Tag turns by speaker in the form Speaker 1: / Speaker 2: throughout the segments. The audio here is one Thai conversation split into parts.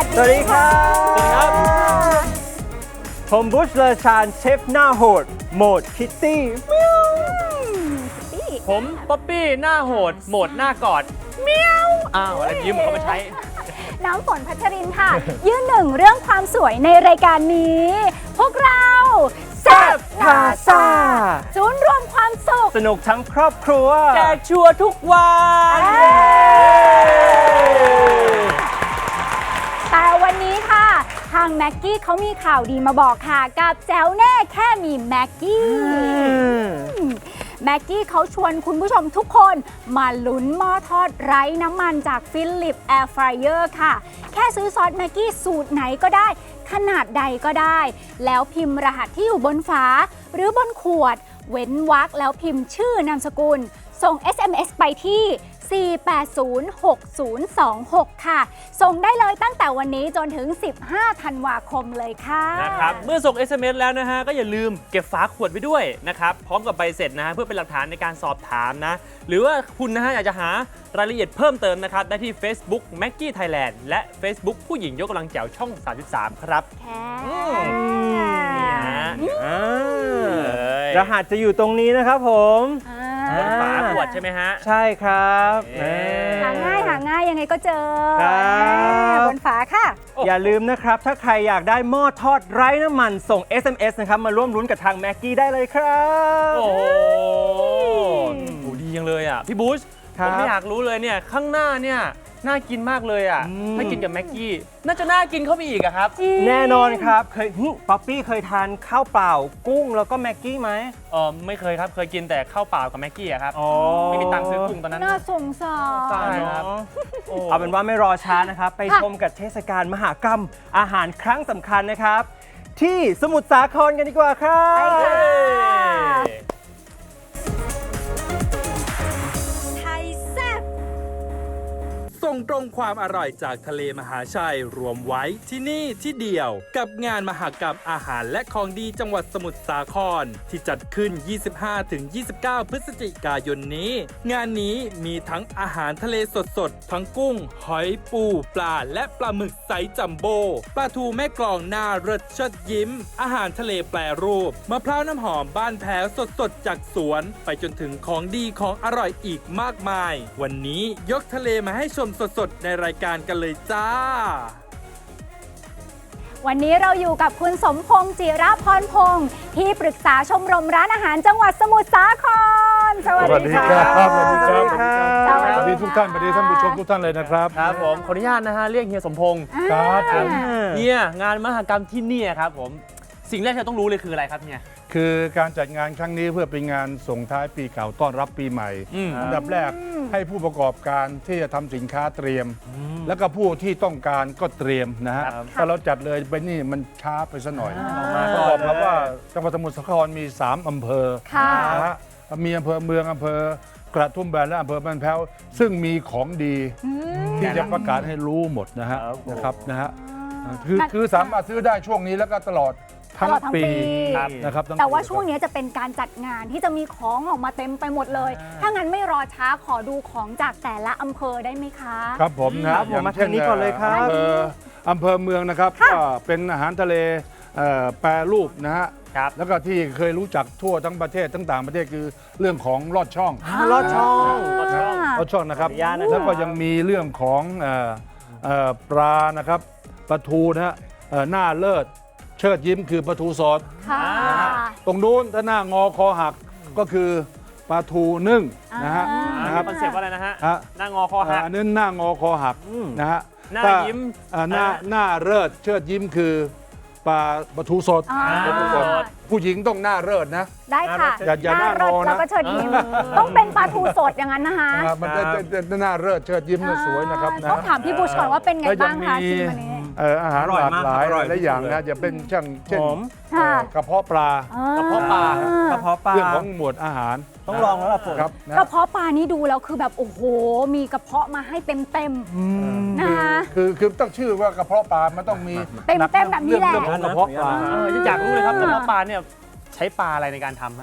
Speaker 1: สวัสดีครับ
Speaker 2: สวัสดีครับ
Speaker 1: ผมบุชเลอชานเชฟหน้าโหดโหมดคิตตี้
Speaker 2: ผมป๊อปปี้หน้าโหดโหมดหน้ากอดเมียวอ้าวอะไรยืมเขามาใช้
Speaker 3: น้ำฝนพัชรินค่ะ ยืนหนึ่งเรื่องความสวยในรายการนี้ พวกเราแซ่บพาซ่าศูนย์รวมความสุข
Speaker 1: สนุกทั้งครอบครัว
Speaker 2: แจกชัวร์ทุกวัน
Speaker 3: แต่วันนี้ค่ะ ทางแม็กกี้เขามีข่าวดีมาบอกค่ะ กับแจ๋วแน่แค่มีแม็กกี้แม็กกี้เขาชวนคุณผู้ชมทุกคนมาลุ้นหม้อทอดไร้น้ำมันจากฟิลิปแอร์ฟรายเออร์ค่ะ แค่ซื้อซอสแม็กกี้สูตรไหนก็ได้ ขนาดใดก็ได้ แล้วพิมพ์รหัสที่อยู่บนฝาหรือบนขวด เว้นวรรคแล้วพิมพ์ชื่อนามสกุล ส่ง SMS ไปที่ 4806026 ค่ะ ส่งได้เลยตั้งแต่วันนี้จนถึง 15 ธันวาคมเลยค่ะ
Speaker 2: นะครับเมื่อส่ง SMS แล้วนะฮะก็อย่าลืมเก็บฝาขวดไว้ด้วยนะครับพร้อมกับใบเสร็จนะฮะเพื่อเป็นหลักฐานในการสอบถามนะหรือว่าคุณนะฮะอยากจะหารายละเอียดเพิ่มเติมนะครับได้ที่ Facebook Maggie Thailand และ Facebook ผู้หญิงยกกำลังแจ๋วช่อง 33 ครับ
Speaker 3: แค่
Speaker 2: นี่ฮะ
Speaker 1: รหัสจะอยู่ตรงนี้นะครับผม
Speaker 2: บนฝาขวดใช่ไหมฮะ
Speaker 1: ใช่ครับ
Speaker 3: หาง่ายยังไงก็เจอ
Speaker 1: ครับ
Speaker 3: บนฝาค่ะ
Speaker 1: อย่าลืมนะครับ ถ้าใครอยากได้หม้อทอดไร้น้ำมันส่ง SMS นะครับมาร่วมลุ้นกับทางแม็กกี้ได้เลยครับ
Speaker 2: โอ้โหดีจังเลยอ่ะพี่บูช
Speaker 1: ครับ
Speaker 2: ผมไม่อยากรู้เลยเนี่ยข้างหน้าเนี่ยน่ากินมากเลยอ่ะ
Speaker 1: อืม
Speaker 2: ถ้ากินกับแม็กกี้น่าจะน่ากินเข้าไปอีกอะครับ
Speaker 1: แน่นอนครับเคยป๊อปปี้เคยทานข้าวเปล่ากุ้งแล้วก็แม็กกี้ไหม
Speaker 2: ไม่เคยครับเคยกินแต่ข้าวเปล่ากับแม็กกี้อะครับ
Speaker 1: อ๋อ
Speaker 2: ไม่มีตังค์ซื้อกุ้งตอนนั้น
Speaker 3: น่าสงสาร
Speaker 2: ใช่ครับ
Speaker 1: เอาเป็นว่าไม่รอช้านะครับ ไปชมกับเทศกาลมหกรรมอาหารครั้งสำคัญนะครับ ที่สมุทรสาครกันดีกว่าครับ
Speaker 3: ไปค่ะ ไทยแซ่บ
Speaker 4: ส่งตรงความอร่อยจากทะเลมหาชัยรวมไว้ที่นี่ที่เดียวกับงานมหกรรมอาหารและของดีจังหวัดสมุทรสาครที่จัดขึ้น 25-29 พฤศจิกายนนี้ งานนี้มีทั้งอาหารทะเลสดๆ ทั้งกุ้ง หอยปูปลาและปลาหมึกไซส์จัมโบ้ปลาทูแม่กลองหน้าเรสเชิดยิ้ม อาหารทะเลแปรรูปมะพร้าวน้ำหอมบ้านแพ้วสดๆ จากสวน ไปจนถึงของดีของอร่อยอีกมากมาย วันนี้ยกทะเลมาให้ชมสดๆ ในรายการกันเลยจ้า
Speaker 3: วันนี้เราอยู่กับคุณสมพงษ์จิระพรพงษ์ที่ปรึกษาชมรมร้านอาหารจังหวัดสมุทรสาคร สวัสดีค่ะ
Speaker 5: สวัสดีครับ
Speaker 3: สวัส
Speaker 5: สวัส
Speaker 3: ดี
Speaker 5: ดีทุกท่านสวัสดีท่านผู้ชมทุกท่านเลยนะครับ
Speaker 2: ครับผมขออนุญาตนะฮะเรียกเฮียสมพงษ์
Speaker 5: ครับผม
Speaker 2: เนี่ยงานมหกรรมที่นี่ครับผมสิ่งแรกที่เราต้องรู้เลยคืออะไรครับเนี่ย
Speaker 5: คือการจัดงานครั้งนี้เพื่อเป็นงานส่งท้ายปีเก่าต้อนรับปีใหม่ อันดับแรกให้ผู้ประกอบการที่จะทำสินค้าเตรียม แล้วก็ผู้ที่ต้องการก็เตรียมนะฮะ
Speaker 2: ครับ
Speaker 5: ถ้าเราจัดเลยไปนี่มันช้าไปซะหน่อย
Speaker 1: มา
Speaker 5: ป
Speaker 1: ก่
Speaker 5: ระ
Speaker 1: อน
Speaker 5: กอบกับ
Speaker 1: เลย
Speaker 5: ว่าจังหวัดสมุทรสาครมี 3 อำเภอ
Speaker 3: ค่ะ
Speaker 5: นะฮะมีอำเภอเมืองอำเภอกระทุ่มแบนและอำเภอบ้านแพ้วซึ่งมีของดีที่จะประกาศให้รู้หมดนะฮะนะฮะคือสามารถซื้อได้ช่วงนี้แล้วก็ตลอดทั้ง
Speaker 3: ตลอดทั้ง
Speaker 5: ปี
Speaker 3: ปี
Speaker 5: นะครับทั้ง
Speaker 3: แต่ว่า
Speaker 5: ปี
Speaker 3: ช่วงนี้จะเป็นการจัดงานที่จะมีของออกมาเต็มไปหมดเลย ถ้างั้นไม่รอช้าขอดูของจากแต่ละอำเภอได้ไหมคะ
Speaker 5: ครับผมนะครับ
Speaker 1: ผมมาทางนี้ก่อนเลยครับ
Speaker 5: อำเภอเมืองนะครับก็เป็นอาหารทะเลแปรรูปนะฮะ
Speaker 2: ครับ
Speaker 5: แล้วก็ที่เคยรู้จักทั่วทั้งประเทศทั้งต่างประเทศคือเรื่องของลอดช่อง
Speaker 1: ลอดช่อง
Speaker 5: ลอดช่องนะครับ
Speaker 1: ขออนุญาตนะครับ
Speaker 5: แล้วก็ยังมีเรื่องของปลานะครับปลาทูนะฮะหน้าเลิศเชิดยิ้มคือปลาทูสด
Speaker 3: ค่ะ
Speaker 5: ตรงนู้นถ้าหน้างอคอหักก็คือปลาทูนึ่งนะฮะ
Speaker 2: นะครับคอนเซ็ปต์ว่าอะไรนะฮะ
Speaker 5: ฮะ
Speaker 2: หน้างอคอหัก
Speaker 5: อันนั้นหน้างอคอหักนะฮะ
Speaker 2: หน้า
Speaker 5: ถ้
Speaker 2: ยิ้ม
Speaker 5: หน้าเลิศเชิดยิ้มคือปลาทูสด
Speaker 3: อ่า
Speaker 5: ปลาทูสดผู้หญิงต้องหน้าเลิศนะ
Speaker 3: ได้ค่ะ
Speaker 5: อย่าหน้าง
Speaker 3: เลิศ
Speaker 5: อนะ
Speaker 3: แล้วก็เชิดยิ้มต้องเป็นปลาทูสดอย่างนั้นนะคะ
Speaker 5: มันจะหน้าเลิศเชิดยิ้มน่ะสวยนะครับนะ
Speaker 3: ต้องถามพี่บุชก่อนว่าเป็นไง
Speaker 5: แล้วยั
Speaker 3: บ้างคะ
Speaker 5: มี
Speaker 3: ชิมอันนี้
Speaker 5: อาหาร
Speaker 1: อ
Speaker 5: ห
Speaker 1: ร่อย
Speaker 5: ลาก
Speaker 1: มาก
Speaker 5: หลาย
Speaker 1: อร่อย
Speaker 5: หลายอย่าง
Speaker 1: ที่สุด
Speaker 5: นะจะเป็นเช่น
Speaker 1: หอม
Speaker 3: ค่ะ
Speaker 5: กระเพาะปลา
Speaker 2: กระเพาะปลา
Speaker 1: กระเพาะปลา
Speaker 5: เรื่องของหมวดอาหาร
Speaker 1: ต้องลองแล้วล่ะฝน
Speaker 5: ครับนะ
Speaker 3: กระเพาะปลานี่ดูแล้วคือแบบโอ้โห มีกระเพาะมาให้เต็มๆนะคะ
Speaker 5: คือต้องชื่อว่ากระเพาะปลามันต้องมี
Speaker 3: เต็มๆแบบนี้แหละ
Speaker 5: เรื่องของกระเพาะปลา
Speaker 2: อยากรู้เลยครับกระเพาะปลาเนี่ยใช้ปลาอะไรในการทำฮะ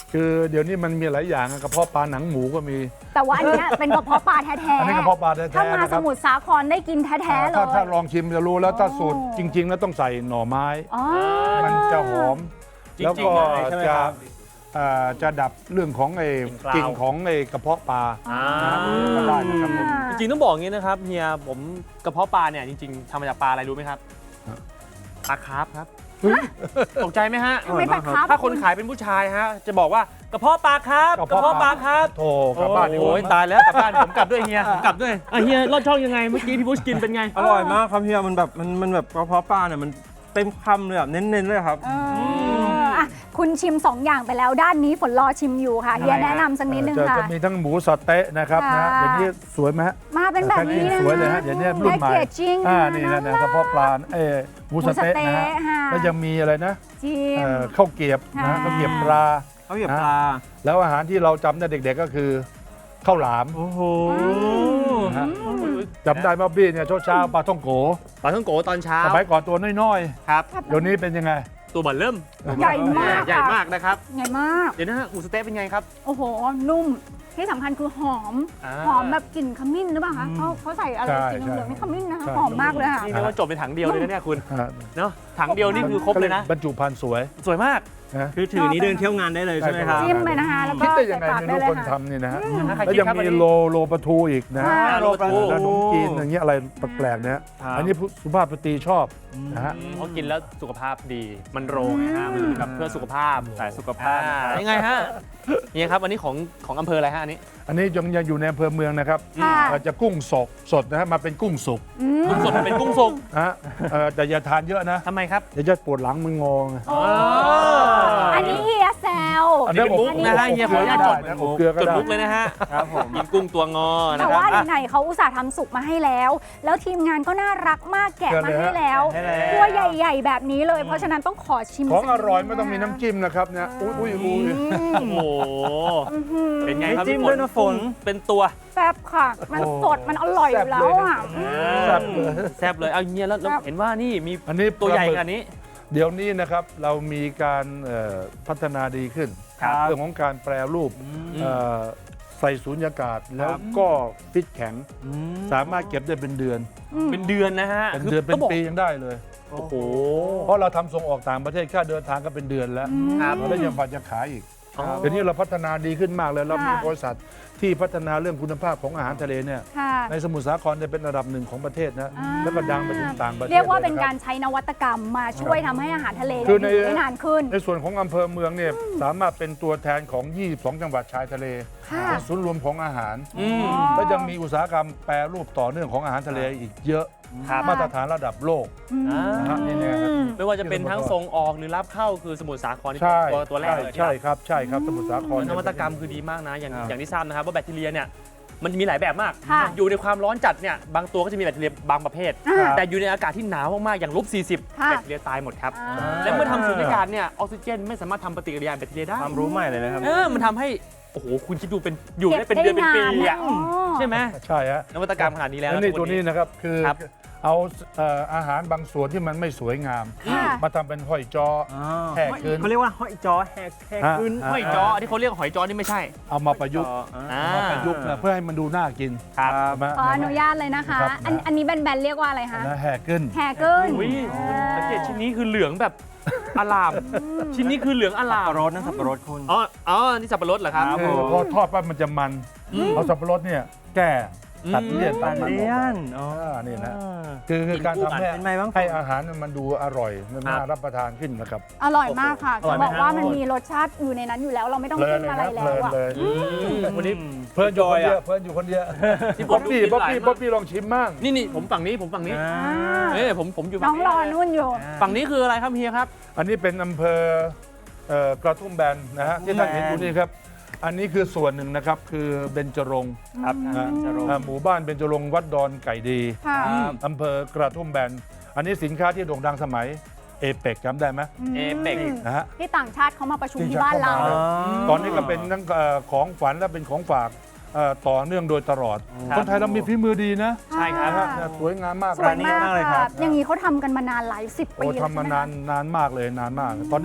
Speaker 5: คือเดี๋ยวนี้มันมีหลายอย่างกระเพาะปลาหนังหมูก็มี
Speaker 3: แต่ว่าอันเนี้ยเป็นกระเพาะปลาแท้
Speaker 5: อันนี้กระเพาะปลาแท้
Speaker 3: ถ้า
Speaker 5: ๆ
Speaker 3: มา
Speaker 5: นะค
Speaker 3: ส
Speaker 5: รับ
Speaker 3: มุทรสาครได้กินแท้ๆเลย
Speaker 5: ถ้าลองชิมจะรู้แล้วถ้าสูตร
Speaker 3: โอ้
Speaker 5: จริง ๆ แล้วต้องใส่หน่อไม้
Speaker 3: อ๋อ
Speaker 5: มันจะหอม
Speaker 2: จริงๆ
Speaker 5: แล้วก็
Speaker 1: เลยใช่ไหม
Speaker 5: จะ
Speaker 1: ครับ
Speaker 5: จะดับเรื่องของไอ้
Speaker 2: กลิ่
Speaker 5: กลิ่
Speaker 2: น
Speaker 5: น
Speaker 2: กาว
Speaker 5: ของไอ้กระเพาะปลา
Speaker 2: อ่า
Speaker 5: ก็ได้นะครับผม
Speaker 2: จริงๆต้องบอกอย่างนี้นะครับเฮียผมกระเพาะปลาเนี่ยจริงๆทำมาจากปลาอะไรรู้ไหมครับ
Speaker 5: ฮะ
Speaker 2: ปลาคาร์ฟครับตกใจไหมฮะ
Speaker 3: ไม่ปลาครับ
Speaker 2: ถ้าคนขายเป็นผู้ชายฮะจะบอกว่ากระเพาะปลาครับกระเพาะปลาครับ
Speaker 5: โถกลับบ้านดีก
Speaker 2: โอ้
Speaker 5: ว่าย
Speaker 2: ตายแล้วกลับบ้านผมกลับด้วยเฮียผมกลับด้วยเฮียรอดช่องยังไงเมื่อกี้พี่บุชกินเป็นไง
Speaker 1: อร่อยมากครับเฮียมันแบบมันแบบกระเพาะปลาเนี่ยมันเต็มคำเลยแบบเน้นๆเลยครับ
Speaker 3: อ่ะคุณชิม 2 อย่างไปแล้วด้านนี้ฝนรอชิมอยู่ค่ะเฮียแนะนำสักนิดนึงค่ะ
Speaker 5: จะมีทั้งหมูสะเต๊ะนะครับนะ
Speaker 3: ค่ะ
Speaker 5: เดี๋ยวนี้สวยไหมฮะ
Speaker 3: มาเป็นแบบนี้นะ
Speaker 5: สวยเลยฮะเดี๋ยวนี้รุ่นใหม่
Speaker 3: แพ็กเกจจิ้ง
Speaker 5: นี่นะกระเพาะปลาหมูสะเต๊ะนะฮะ
Speaker 3: ค่ะ
Speaker 5: แล้วยังมีอะไรนะ
Speaker 3: จิ้ม
Speaker 5: ข้าวเกรียบนะ
Speaker 3: ค่ะ
Speaker 5: ข้าวเกรียบปลา
Speaker 1: เขาเหยียบปลา
Speaker 5: แล้วอาหารที่เราจำได้เด็กๆก็คือข้าวหลาม
Speaker 1: โอ้โห
Speaker 5: นะฮะจำได้ป่ะพี่เนี่ยเช้าๆปลาท่องโก
Speaker 2: ปลาท่องโกตอนเช้า
Speaker 5: สมัยก่อนตัวน้อย
Speaker 2: ครับ
Speaker 5: ๆเดี๋ยวนี้เป็นยังไง
Speaker 2: ตัวบัลเริ่ม
Speaker 3: ใหญ่มาก
Speaker 2: ใหญ่
Speaker 3: ค่ะ
Speaker 2: มากนะครับ
Speaker 3: ใหญ่มาก
Speaker 2: เดี๋ยวนะฮะหมูสะเต๊ะเป็นไงครับ
Speaker 3: โอ้โห นุ่ม ที่สำคัญคือหอม
Speaker 2: อ่า
Speaker 3: หอมแบบกลิ่นขมิ้นหรือเปล่าคะเขาใส่อะไร
Speaker 5: ใช่
Speaker 3: สีเหลืองๆนี่ขมิ้นนะคะ
Speaker 5: ใช่
Speaker 3: หอมมากเลยค่ะ
Speaker 2: นี่เรียกว่าจบในถังเดียวเลยนะเนี่ยคุณ
Speaker 5: ฮะ
Speaker 2: เนาะถังเดียวนี่คือครบเลยนะ
Speaker 5: บรรจุภัณฑ์สวย
Speaker 2: สวยมาก
Speaker 5: นะ
Speaker 1: คือถือนี้เดินเที่ยวงานได้เลยใช่ไหมครับ
Speaker 3: จิ้มไปนะคะ แล้วก็
Speaker 5: คิดได้ยังไง
Speaker 3: ใส่ปาก
Speaker 5: ไม่
Speaker 3: ได้
Speaker 5: รู้
Speaker 3: เลย
Speaker 5: คน
Speaker 3: ค่ะ
Speaker 5: ทำนี่นะฮะ
Speaker 2: นะใคร
Speaker 5: แล้ว
Speaker 2: คิด
Speaker 5: ยัง
Speaker 2: ครับอัน
Speaker 5: มี
Speaker 2: นี้
Speaker 5: โลปลาทูอีกนะ
Speaker 3: ค่ะ
Speaker 2: โลปลาทู
Speaker 5: ขนมจีนอย่างเงี้ยอะไรแปลกๆเนี่ย
Speaker 1: ครับ
Speaker 5: อันนี้สุภาพสตรีชอบนะฮะ
Speaker 2: เพราะกินแล้วสุขภาพดี มันโรงไงฮะมันแบบเพื่อสุขภาพ
Speaker 1: สายสุขภาพนะครับ
Speaker 2: ยังไงฮะเนี่ยครับอันนี้ของอำเภออะไรฮะอันนี้
Speaker 5: อันนี้ยังอยู่ในอำเภอเมืองนะครับ
Speaker 3: ค่ะ
Speaker 5: จะกุ้งสดนะฮะมาเป็นกุ้งสุก
Speaker 2: กุ้งสดเป็นกุ้งสุก
Speaker 5: นะฮะแต่อย่าทานเยอะนะ
Speaker 2: ทำไมครับ
Speaker 5: เดี๋ยวจะปวดหลังมันงอไง
Speaker 3: โอ้อันนี้เฮียแซว
Speaker 2: อันนี้เป็นมุกนะฮะเฮียขออนุญาตจด
Speaker 5: นะอบเกลือก็
Speaker 2: จด
Speaker 5: ได้
Speaker 2: มุกเลยนะฮะ
Speaker 1: ครับผม
Speaker 2: กินกุ้งตัวงอนะ
Speaker 3: แต่
Speaker 2: ครับ
Speaker 3: ว่า
Speaker 2: อ่ะ
Speaker 3: ไหนๆเขาอุตส่าห์ทำสุกมาให้แล้ว แล้วทีมงานก็น่ารักมากแกะมาให้แล้ว
Speaker 1: ให้แล้ว
Speaker 3: ตัวใหญ่ ๆ แบบนี้เลย เพราะฉะนั้นต้องขอชิม
Speaker 5: ของอร่อย
Speaker 3: สักนิด
Speaker 5: ไม่ต้องมีน้ำจิ้มนะครับเนี่ยอุ้ย
Speaker 2: โอ้โหเป็นไงครับ
Speaker 1: ไม่จิ้ม
Speaker 2: พี่
Speaker 1: ด้วยนะฝน
Speaker 2: เป็นตัว
Speaker 3: แซ่บค่ะ มันสดมันอร่อยอยู่แล้วอ่ะ
Speaker 5: แซ่บเลย
Speaker 2: แซ่บเลยเอาเงี้ยแล้ว
Speaker 3: แซ่บ
Speaker 2: เห็นว่านี่มี
Speaker 5: อันนี้
Speaker 2: ตัวใหญ่
Speaker 5: ปลาหมึก
Speaker 2: ขนาดนี้
Speaker 5: เดี๋ยวนี้นะครับเรามีการพัฒนาดีขึ้น
Speaker 1: ครับ
Speaker 5: เรื่องของการแปรรูปเอ่อใส่สูญญากาศแล้วก็ฟิตแข็ง สามารถเก็บได้เป็นเดือน
Speaker 2: เป็นเดือนนะฮะ
Speaker 5: เป็นเดือนเป็น
Speaker 2: ต้องบอก
Speaker 5: ปียังได้เลย
Speaker 2: โอ้โห
Speaker 5: เพราะเราทำส่งออกต่างประเทศค่าเดินทางก็เป็นเดือนแล้ว
Speaker 2: ครับ
Speaker 5: แล้วยังฝันจะขายอีก
Speaker 2: อ๋อ
Speaker 5: เดี๋ยวนี้เราพัฒนาดีขึ้นมากเลยเรามี
Speaker 3: ค่ะ
Speaker 5: บริษัทที่พัฒนาเรื่องคุณภาพของอาหารทะเลเนี่ย
Speaker 3: ค่ะ
Speaker 5: ในสมุทรสาครเนี่ยเป็นระดับหนึ่งของประเทศนะ
Speaker 3: อ่า
Speaker 5: แล้วก็ดังไปถึงต่างประเทศ
Speaker 3: เรียกว่าเป็น
Speaker 5: ละค
Speaker 3: กา
Speaker 5: บ
Speaker 3: รใช้นวัตกรรมมาช่วยทำให้อาหารทะเล
Speaker 5: คือ
Speaker 3: เนี่ยอยู่ได้นานขึ้น
Speaker 5: ในส่วนของอำเภอเมืองเนี่ยสามารถเป็นตัวแทนของ 22 จังหวัดชายทะเล
Speaker 3: ค่ะ
Speaker 5: เป็นศูนย์รวมของอาหาร
Speaker 2: อืม
Speaker 5: และยังมีอุตสาหกรรมแปรรูปต่อเนื่องของอาหารทะเลอีกเยอะ
Speaker 2: ครับ
Speaker 5: มาตรฐานระดับโลก
Speaker 2: อ่า
Speaker 5: นะฮะนี่เนี่ยครับ
Speaker 2: ไม่ว่าจะเป็นทั้งส่งออกหรือรับเข้าคือสมุทรสาครนี่
Speaker 5: ใช่
Speaker 2: ตัวแรกเลย
Speaker 5: ใช่ครับใช่ครับสมุทรสาคร
Speaker 2: นวัตกรรมคือดีมากนะ อย่างที่ทราบนะครับว่าแบคทีเรียเนี่ยมันมีหลายแบบมาก
Speaker 3: ค่ะ
Speaker 2: อยู่ในความร้อนจัดเนี่ยบางตัวก็จะมีแบคทีเรียบางประเภท
Speaker 3: อ่า
Speaker 2: แต่อยู่ในอากาศที่หนาวมากๆอย่าง-40
Speaker 3: ค่ะ
Speaker 2: แบคทีเรียตายหมดครับ
Speaker 3: อ่า
Speaker 2: และเมื่อทำสูญญากาศเนี่ยออกซิเจนไม่สามารถทำปฏิกิริยาแบคทีเรียได้
Speaker 1: ความรู้ใหม่เลยนะครับ
Speaker 2: มันททำให้โอ้โหคุณคิดดูเป็นอยู่ได้เป็นเดือนเป็นปีอะ
Speaker 3: อ๋อ
Speaker 2: ใช่ไหม
Speaker 5: ใช่ฮะ
Speaker 2: นวัตกรรมขนาดนี้แล้ว
Speaker 5: แล้วนี่ตัวนี้นะครับคือ
Speaker 2: ครับ
Speaker 5: เอาอาหารบางส่วนที่มันไม่สวยงาม
Speaker 3: ค่ะ
Speaker 5: มาทำเป็นห้อยจ้อ แหกขึ้น
Speaker 1: เขาเรียกว่าห้อยจอแหกขึ้น
Speaker 2: หอยจ้อที่เขาเรียกหอยจ้อนี่ไม่ใช่
Speaker 5: เอามาประยุกต์
Speaker 2: อ่า
Speaker 5: มาประยุกต์นะเพื่อให้มันดูน่ากิน
Speaker 2: ครับ
Speaker 5: ใช่ไหม
Speaker 3: ขออนุญาตเลยนะคะ
Speaker 5: ครับ
Speaker 3: อันนี้แบนๆเรียกว่าอะไรคะ
Speaker 5: นะแหกขึ้น
Speaker 3: แฮเกิล
Speaker 2: อุ้ยสังเกตชิ้นนี้คือเหลืองแบบอลาม ชิ้นนี้คือเหลืองอลา
Speaker 1: สับ
Speaker 2: ม
Speaker 1: ปะรดนะสับปะรดคุณ
Speaker 2: อ๋อนี่สับปะรดเหรอครับ
Speaker 1: ครับ
Speaker 5: คือพอทอดปั๊บมันจะมันเอาสับปะรดเนี่ยแก้ตัดเลี่ยนตัดมัน
Speaker 1: เลียน
Speaker 5: ออกนี่นะ
Speaker 1: อ่า
Speaker 5: คือการทำให้
Speaker 1: เป็นไงบ้าง
Speaker 5: ให้อาหารมันดูอร่อยมันน่า
Speaker 2: ครับ
Speaker 5: รับประทานขึ้นนะครับ
Speaker 3: อร่อยมากค่ะ
Speaker 1: อร่อย
Speaker 3: จะ
Speaker 1: ไหม
Speaker 3: บอกว่ามันมีรสชาติอยู่ในนั้นอยู่แล้ว เราไม่ต้อง
Speaker 5: เพลิ
Speaker 3: จิ้
Speaker 5: น
Speaker 3: ม
Speaker 5: เลย
Speaker 3: อะไร
Speaker 5: นะ
Speaker 3: แล้
Speaker 5: เพลิ
Speaker 3: วน อะ
Speaker 5: เลย
Speaker 2: วันนี้
Speaker 5: เพลินอยู่คนเดียวเพลินอยู่คนเดียว
Speaker 2: ที่ผ
Speaker 5: บ๊อ
Speaker 2: ม
Speaker 5: บ
Speaker 2: ดู
Speaker 5: บี้
Speaker 2: คลิป
Speaker 5: บ๊อบ
Speaker 2: หลาย
Speaker 5: บี้
Speaker 2: มาก
Speaker 5: บ๊อบบี้ลองชิมมั่ง
Speaker 2: นี่ผมฝั่งนี้ผมฝั่งนี้ ผมอยู่
Speaker 3: น้
Speaker 2: ฝั่
Speaker 3: อง ง
Speaker 2: นี้
Speaker 3: รอนุ่นอยู่
Speaker 2: ฝั่งนี้คืออะไรครับเฮียครับ
Speaker 5: อันนี้เป็นอำเภอกระทุ่มแบนนะฮะที่ท่านเห็นอยู่นี่ครับ อันนี้คือส่วนหนึ่งนะครับคือเบญจรงค์
Speaker 1: ครับ
Speaker 5: นะ
Speaker 1: เบญจรงค์
Speaker 5: หมู่บ้านเบญจรงค์วัดดอนไก่ดี
Speaker 3: ค่ะ
Speaker 5: อำเภอกระทุ่มแบนอันนี้สินค้าที่โด่งดังสมัยเอเปกจำได้ไหม
Speaker 2: เอเปก
Speaker 5: นะฮะ
Speaker 3: ที่ต่างชาติเขามาประชุมที่บ้านเรา
Speaker 5: อ๋อ ตอนนี้ก็เป็นทั้งของฝันและเป็นของฝากต่อเนื่องโดยตลอด
Speaker 2: ครับ
Speaker 5: คนไทยเรามีฝีมือดีนะ
Speaker 2: ใช่ครับ
Speaker 5: นะฮะสวยงามมาก
Speaker 3: สวยมาก
Speaker 1: มากเลยครั
Speaker 3: ค่ะ
Speaker 1: บ
Speaker 3: อย่างนี้เขาทำกันมานานหลาย10
Speaker 5: โอ้
Speaker 3: ปีแล้ว
Speaker 5: ทำมา
Speaker 3: ใช่ไห
Speaker 5: นานมากเลยนานมาก ตอนนี้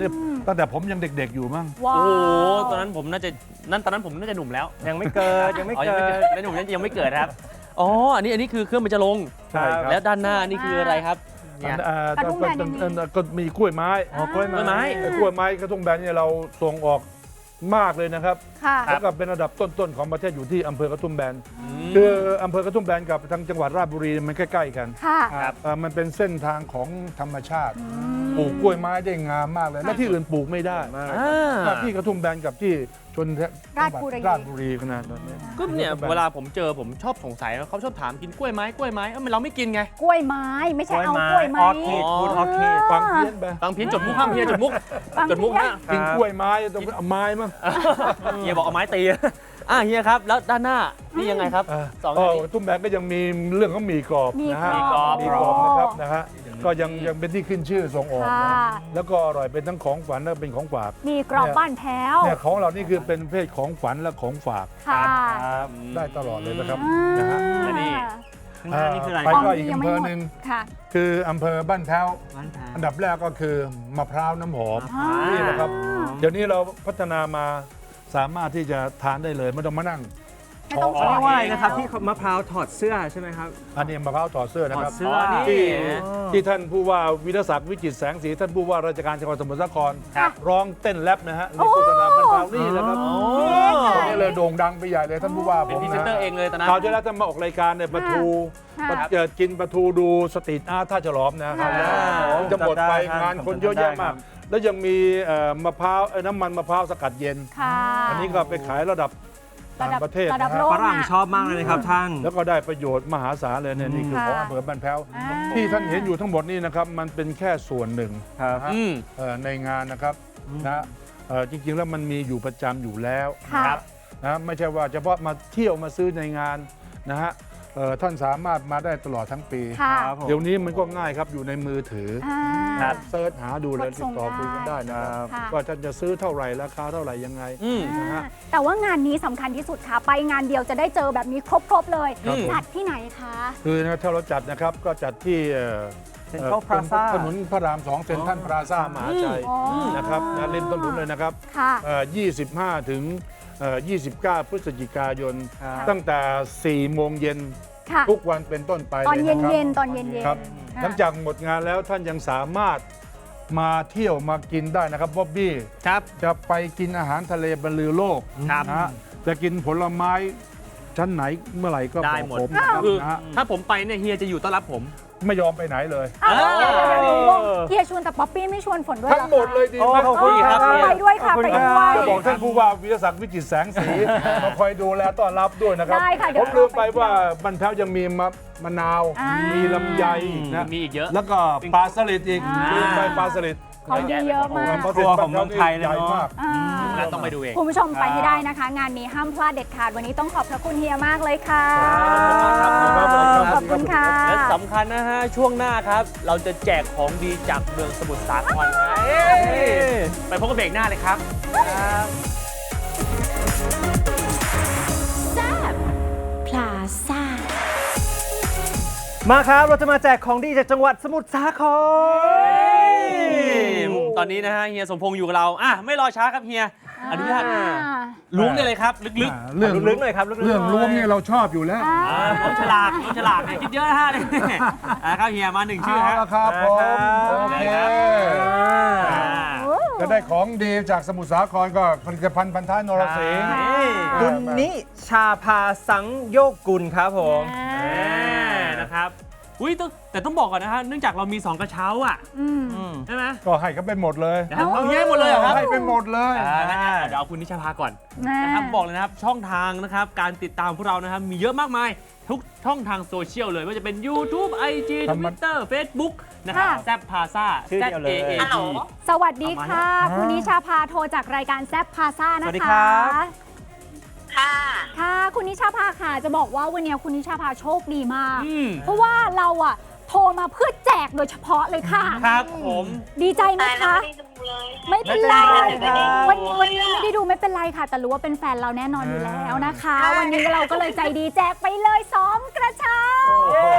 Speaker 5: ตั้งแต่ผมยังเด็กๆอยู่มั้ง
Speaker 3: ว้า
Speaker 2: โอ้
Speaker 3: ว
Speaker 2: โหตอนนั้นผมน่าจะหนุ่มแล้ว
Speaker 1: ยังไม่เกิดยังไม่
Speaker 2: อ๋อยัง
Speaker 1: เกิ
Speaker 2: ไม่เกิ
Speaker 1: ด
Speaker 2: ดแล้วหนุ่มยังไม่เกิดครับอ๋ออันนี้คือเครื่องมันจะลง
Speaker 5: ใช่ครับ
Speaker 2: แล้วด้านหน้านี่คืออะไรครับเนี่ย
Speaker 3: กระทุ่มแบนยังมี
Speaker 5: ก็มีกล้วยไม้
Speaker 1: อ๋อกล้วยไม้
Speaker 5: กล้วยไม้กระทุ่มแบนเนี่ยเราส่งออกมากเลยนะครับ
Speaker 3: ค่ะ
Speaker 5: แล้วก็เป็นระดับต้นๆของประเทศอยู่ที่อำเภอกระทุ่มแบนคืออำเภอกระทุ่มแบนกับทางจังหวัดราชบุรีมันใกล้ๆกัน
Speaker 3: ค่ะ
Speaker 5: มันเป็นเส้นทางของธรรมชาติปลูกกล้วยไม้ได้งามมากเลย และที่อื่นปลูกไม่ได้
Speaker 2: อ่า
Speaker 5: ที่กระทุ่มแบนกับที่ชน
Speaker 3: ราชบุรี
Speaker 5: ราชบุรีขนาดนั้น
Speaker 2: ก็เนี่ยเวลาผมเจอผมชอบสงสัยนะเขาชอบถามกินกล้วยไม้เราไม่กินไง
Speaker 3: กล้วยไม้ไม่ใช่เอากล้วยไม้
Speaker 1: ออร์คิดพูดออร์คิด
Speaker 5: ฟังเพี้ยนไป
Speaker 2: ฟังเพี้ยนจดมุกห้ามเพี้ยนจดมุก
Speaker 3: ฟัง
Speaker 2: จดมุก
Speaker 3: เพี้ยน
Speaker 2: นะ
Speaker 5: กินกล้วยไม้ต้องเอาไม้มั้ง
Speaker 2: เฮียบอกเอาไม้ตีเฮียครับแล้วด้านหน้านี่ยังไงครับสองอันนี้
Speaker 5: ตุ้มแบนก็ยังมีเรื่องของหมี่กรอบนะฮะ
Speaker 3: หมี่กรอบ
Speaker 5: หมี่กรอบนะครับนะฮะก็ยังเป็นที่ขึ้นชื่อส่งออก
Speaker 3: ค่ะ
Speaker 5: นะแล้วก็อร่อยเป็นทั้งของฝันและเป็นของฝาก
Speaker 3: มีกรอบบ้านแพ้ว
Speaker 5: เนี่ยของเรานี่คือเป็นประเภทของฝันและของฝาก
Speaker 3: ค่ะ
Speaker 5: ได้ตลอดเลยนะครับ
Speaker 3: อ่า
Speaker 5: นะฮะ
Speaker 2: และนี่
Speaker 1: ข้างหน้านี่คืออะไร
Speaker 5: ไป
Speaker 1: ครับ
Speaker 5: ก็อีกอำเภอหนึ่ง
Speaker 3: ค่ะ
Speaker 5: คืออำเภอบ้านแพ้ว
Speaker 1: บ้านแพ้ว
Speaker 5: อันดับแรกก็คือมะพร้าวน้ำหอม
Speaker 3: อ่า
Speaker 5: นี่นะครับ เดี๋ยวนี้เราพัฒนามาสามารถที่จะทานได้เลยไม่ต้องมานั่ง
Speaker 3: ไม่ต้อง
Speaker 1: เขาเรียกว่าอะไรนะครับ
Speaker 3: แล้ว
Speaker 1: ที่มะพร้าวถอดเสื้อใช่ไหมครับ
Speaker 5: อันนี้มะพร้าวถอดเสื้อนะครับ
Speaker 1: ถอดเสื้อนี่
Speaker 5: ที่ท่านผู้ว่าวิรศักดิ์วิจิตรแสงสีท่านผู้ว่าราชการจังหวัดสมุทรสาคร
Speaker 2: ครับ
Speaker 5: ร้องเต้นแรปนะฮะในโฆษณาบ้านแพ้วนี่แหละครับตอนนี้เลยโด่งดังไปใหญ่เลยท่านผู้ว่าผ
Speaker 2: เป็น
Speaker 5: ม
Speaker 2: พรีเซน
Speaker 5: นะ
Speaker 2: เตอร์เองเลยตอนนั้น
Speaker 5: คราวที่แล้วท่านมาออกรายการเนี่ยปลาทู
Speaker 3: ค่ะ
Speaker 5: กินปลาทูดูสตรีทอาร์ตท่าฉลอมนะครับ จะหมดไป
Speaker 1: จำได้ครับ
Speaker 5: งานคนเยอะแยะมาก แล้วยังมีมะพร้าวน้ำมันมะพร้าวสกัดเย็น
Speaker 3: ค่ะ
Speaker 5: อันนี้ก็ไปขายระดับต่างประเทศ
Speaker 3: ระดับ
Speaker 5: นะ
Speaker 3: โล
Speaker 5: ฮะ
Speaker 3: ก
Speaker 1: ฝรั่งชอบมากเลยนะครับท่าน
Speaker 5: แล้วก็ได้ประโยชน์มหาศาลเลยเนี่ยนี่คือ
Speaker 3: ค่ะ
Speaker 5: ของอำเภอบ้านแพ้ว
Speaker 3: อ่า
Speaker 5: ที่ท่านเห็นอยู่ทั้งหมดนี่นะครับมันเป็นแค่ส่วนหนึ่ง
Speaker 1: ครับ
Speaker 5: นะฮะในงานนะครับนะจริงๆแล้วมันมีอยู่ประจำอยู่แล้ว
Speaker 3: ค่ะ
Speaker 5: นะไม่ใช่ว่าเฉพาะมาเที่ยวมาซื้อในงานนะฮะท่านสามารถมาได้ตลอดทั้งปี
Speaker 3: ค่ะ
Speaker 1: ครับผม
Speaker 5: เดี๋ยวนี้มันก็ง่ายครับอยู่ในมือถือ
Speaker 3: อ่า
Speaker 5: เซิร์ชหาดูเลย
Speaker 3: กด
Speaker 5: ติ
Speaker 3: ส่
Speaker 5: ด
Speaker 3: ง
Speaker 5: ต่อคุยกันได้นะครับ
Speaker 3: ค่ะ
Speaker 5: ว่าท่านจะซื้อเท่าไหร่ราคาเท่าไหร่ยังไง นะฮะ
Speaker 3: แต่ว่างานนี้สำคัญที่สุดค่ะ ไปงานเดียวจะได้เจอแบบนี้ครบๆเลย
Speaker 2: ครับผม
Speaker 3: จัดที่ไหนคะ
Speaker 5: คือนะถ้าเราจัดนะครับก็จัดที่
Speaker 1: Central Plaza
Speaker 5: ถนนพระราม2เซ็นทรัลพลาซ่ามหาชัย
Speaker 3: อ๋อ
Speaker 5: นะครับนะริมถนนเลยนะครับ
Speaker 3: ค่ะ
Speaker 5: 25 ถึง 29 พฤศจิกายน
Speaker 1: ครับ
Speaker 5: ตั้งแต่ 4 โมงเย็น
Speaker 3: ค่ะ
Speaker 5: ทุกวันเป็นต้นไป
Speaker 3: ตอน
Speaker 5: เลย
Speaker 3: เย็
Speaker 5: นะครับ
Speaker 3: นๆตอนเย็นๆ
Speaker 5: ครับ
Speaker 3: ค่ะ
Speaker 5: หลังจากหมดงานแล้วท่านยังสามารถมาเที่ยวมากินได้นะครับบ๊อบบี้
Speaker 2: ครับ
Speaker 5: จะไปกินอาหารทะเลบรรลือโลก
Speaker 2: ครับ
Speaker 5: นะฮะจะกินผลไม้ชั้นไหนเมื่อไหร่ก็
Speaker 2: ได้
Speaker 5: บอก
Speaker 2: หมด
Speaker 5: ผมนะครับ
Speaker 2: คือ
Speaker 5: นะฮะ
Speaker 2: ถ้าผมไปเนี่ยเฮียจะอยู่ต้อนรับผม
Speaker 5: ไม่ยอมไปไหนเลย
Speaker 3: อ้าว
Speaker 2: เออ
Speaker 3: เดี๋ยวๆเฮียชวนแต่ป๊อปปี้ไม่ชวนฝนด้วย
Speaker 5: ทั้งหมดเลยดี
Speaker 1: โอ้
Speaker 5: ไหม
Speaker 1: ขอบคุณครับ
Speaker 3: ไปด้วยค่ะ
Speaker 1: ขอบ
Speaker 3: ไป
Speaker 1: ณ
Speaker 3: ด้วย
Speaker 5: จะบอกท่านผู้ว่าวิทยาศักดิ์วิจิตรแสงสีมาคอยดูแลต้อนรับด้วยนะครับ
Speaker 3: ได้ค่ะเดี๋
Speaker 5: ผ
Speaker 3: ยว
Speaker 5: มลืมไป
Speaker 3: เราไป
Speaker 5: ว่าบรรเทายังมีมะนาว
Speaker 3: อ่ามี
Speaker 5: มีลำไยอีกนะ
Speaker 2: มีอีกเยอะ
Speaker 5: แล้วก็ปลาสลิดอีก
Speaker 3: อ่า
Speaker 5: ลืมไปปลาสลิด
Speaker 3: ของดีเยอะมาก
Speaker 5: ปลาสลิด
Speaker 1: ครัวของเมืองไทยเลย
Speaker 5: ใหญ่
Speaker 1: เนอะ
Speaker 5: มาก
Speaker 3: อ่า
Speaker 2: แล้วต้องไปดูเอง
Speaker 3: คุณผู้ชมไปให้ได้นะคะ งานนี้ห้ามพลาดเด็ดขาดวันนี้ต้องขอบพระคุณเฮียมากเลยค่ะ ขอบคุณค่ะ
Speaker 2: และสำคัญนะฮะ ช่วงหน้าครับ เราจะแจกของดีจากเมืองสมุทรสาครครับไปพบกับเบรกหน้าเลยครับ
Speaker 3: พลาซ่า
Speaker 1: มาครับ เราจะมาแจกของดีจากจังหวัดสมุทรสาคร
Speaker 2: ตอนนี้นะฮะเฮียสมพงษ์อยู่กับเราไม่รอช้าครับเฮีย อนุญาตล้วงได้เลยครับ ลึก
Speaker 5: เรื่อง
Speaker 1: ลึกๆหน่อยครับลึกๆ
Speaker 5: เรื่อง
Speaker 1: หน่อย
Speaker 5: ล้วงเนี่ยเราชอบอยู่แล้ว
Speaker 2: ๆน้องฉลากเนี่ยคิดเยอะนะฮะเนี่ยครับเฮียมาหนึ่งชื่อ
Speaker 5: เอา
Speaker 2: ฮะ
Speaker 5: ละครับผม
Speaker 1: ครับ
Speaker 5: โอเค
Speaker 2: อ่า
Speaker 5: จะได้ของดีจากสมุทรสาครก็ผลิตภัณฑ์พันท้ายนรสิงห์
Speaker 1: คุณนิชาภาสังโยกกุลครับผม
Speaker 2: นะครับอุ้ยแต่ต้องบอกก่อนนะฮะเนื่องจากเรามี 2 กระเช้าอ่ะใช่ไหม
Speaker 5: ก็ให้เขาไปหมดเลย
Speaker 2: เอาเฮียหมดเลยเหรอครับ
Speaker 5: ให้ไปหมดเลย
Speaker 2: งั้นเดี๋ยวเอาคุณนิชาภาก่อนนะครับบอกเลยนะครับช่องทางนะครับการติดตามพวกเรานะครับมีเยอะมากมายทุกช่องทางโซเชียลเลยว่าจะเป็น YouTube IG Twitter Facebook นะครับ
Speaker 3: ค่ะ
Speaker 2: แซบพาซ่า
Speaker 1: ชื่อเดียวเลย
Speaker 2: ZAAP
Speaker 3: สวัสดีค่ะ คุณนิชาพาโทรจากรายการแซบพาซ่านะคะ
Speaker 1: สวัสดีครับ
Speaker 6: ค่ะ
Speaker 3: ค่ะ คุณนิชาพาค่ะ จะบอกว่าวันนี้คุณนิชาพาโชคดีมาก
Speaker 2: อืม
Speaker 3: เพราะว่าเราอะโทรมาเพื่อแจกโดยเฉพาะเลยค่ะ
Speaker 2: ครับผม
Speaker 3: ดีใจไหม
Speaker 6: ตายแล้ว
Speaker 3: คะ
Speaker 6: ไม่ได้ดูเลย
Speaker 3: ไม่เป็นไร
Speaker 1: ไม่เป็นไรครับ
Speaker 3: วันนี้ไม่ได้ดูไม่เป็นไรค่ะ แต่รู้ว่าเป็นแฟนเราแน่นอนอยู่แล้วนะคะ วันนี้เราก็เลยใจดีแจกไปเลย2 กระเช้า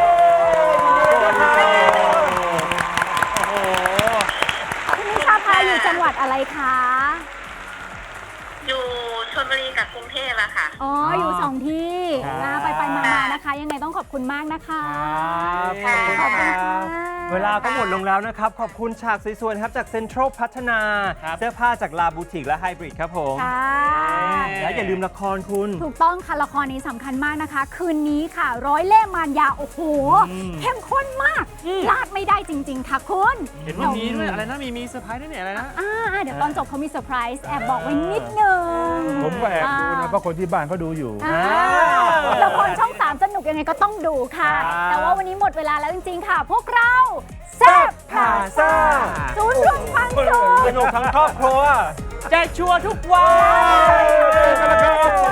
Speaker 2: โอ้โห
Speaker 3: คุณนิชาพาอยู่อยู่จังหวัดอะไรคะ
Speaker 6: อยู่ชลบุรีกับกรุงเทพอะค่ะ
Speaker 3: อ๋อ อยู่สองที่
Speaker 1: ครับ
Speaker 3: นะไปมาๆนะคะ ยังไงต้องขอบคุณมากนะคะ
Speaker 1: ครับขอบคุณ
Speaker 3: ขอบคุณ
Speaker 1: ค
Speaker 3: ค่ะ
Speaker 1: รับเวลาก็หมดลงแล้วนะครับ ขอบคุณฉากสวยๆครับจากเซ็นทรัลพัฒนา
Speaker 2: ครับ
Speaker 1: เสื้อผ้าจากลาบูติกและไฮบริดครับผม
Speaker 3: ค่ะ
Speaker 1: และอย่าลืมละครคุณ
Speaker 3: ถูกต้องค่ะละครนี้สำคัญมากนะคะ คืนนี้ค่ะ ร้อยเล่ห์มารยา โอ้โห เข้มข้นมากพลาดไม่ได้จริง ๆ ค่ะคุณ
Speaker 2: เห็นว่ามีด้วยอะไรนะมีเซอร์ไพรส์ด้วยเนี่ยอะไรนะ
Speaker 3: เดี๋ยวตอนจบเขามีเซอร์ไพรส์แอบบอกไว้นิดนึง
Speaker 5: ผมก็แอบดูนะเพราะคนที่บ้านเขาดูอยู่
Speaker 3: ละครช่อง 3 สนุกยังไงก็ต้องดูค่ะ
Speaker 1: ครับ
Speaker 3: แต่ว่าวันนี้หมดเวลาแล้วจริง ๆ ค่ะ พวกเราแซ่บพาซ่าศูนย์รวมความสุข
Speaker 1: สนุกทั้งครอบครัว
Speaker 2: แจกชัวร์ทุกวัน
Speaker 1: เจอกันแล้วครับ